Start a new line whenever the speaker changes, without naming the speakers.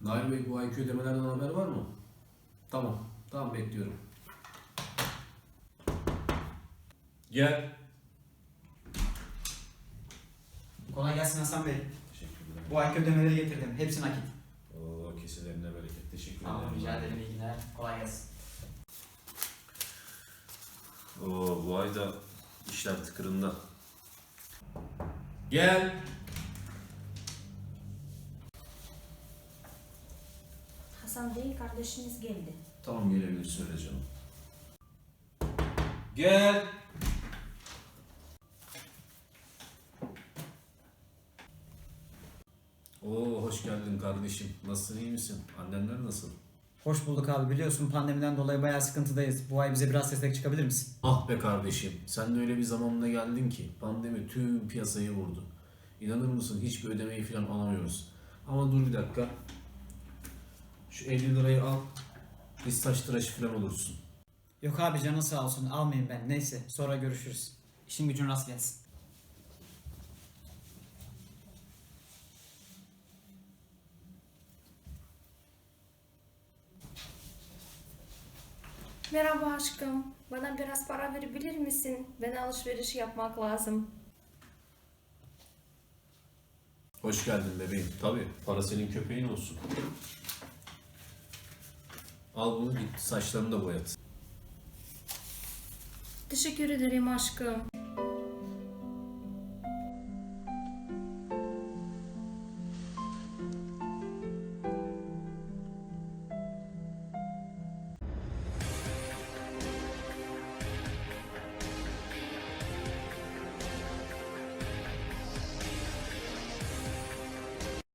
Nail Bey, bu ayki ödemelerden haber var mı? Tamam. Tamam, bekliyorum. Gel.
Kolay gelsin Hasan Bey.
Teşekkürler.
Bu ayki ödemeleri getirdim. Hepsi nakit.
Oo, keselerine bereket. Teşekkür ederim.
Tamam, rica ederim. İyi günler. Kolay gelsin.
Oo, bu ay da işler tıkırında. Gel.
Hasan Bey, kardeşiniz geldi.
Tamam, gelebilir, söyle canım. Gel. Oo, hoş geldin kardeşim. Nasılsın, iyi misin? Annenler nasıl?
Hoş bulduk abi. Biliyorsun pandemiden dolayı bayağı sıkıntıdayız. Bu ay bize biraz destek çıkabilir misin?
Ah be kardeşim, sen de öyle bir zamanla geldin ki pandemi tüm piyasayı vurdu. İnanır mısın, hiçbir ödemeyi falan alamıyoruz. Ama dur bir dakika. Şu 50 lirayı al. Biz taş tıraşı falan olursun.
Yok abi, canın sağ olsun. Almayayım ben. Neyse, sonra görüşürüz. İşin gücün rast gelsin.
Merhaba aşkım. Bana biraz para verebilir misin? Ben alışveriş yapmak lazım.
Hoş geldin bebeğim. Tabii, para senin köpeğin olsun. Al bunu, git saçlarını da boyat.
Teşekkür ederim aşkım.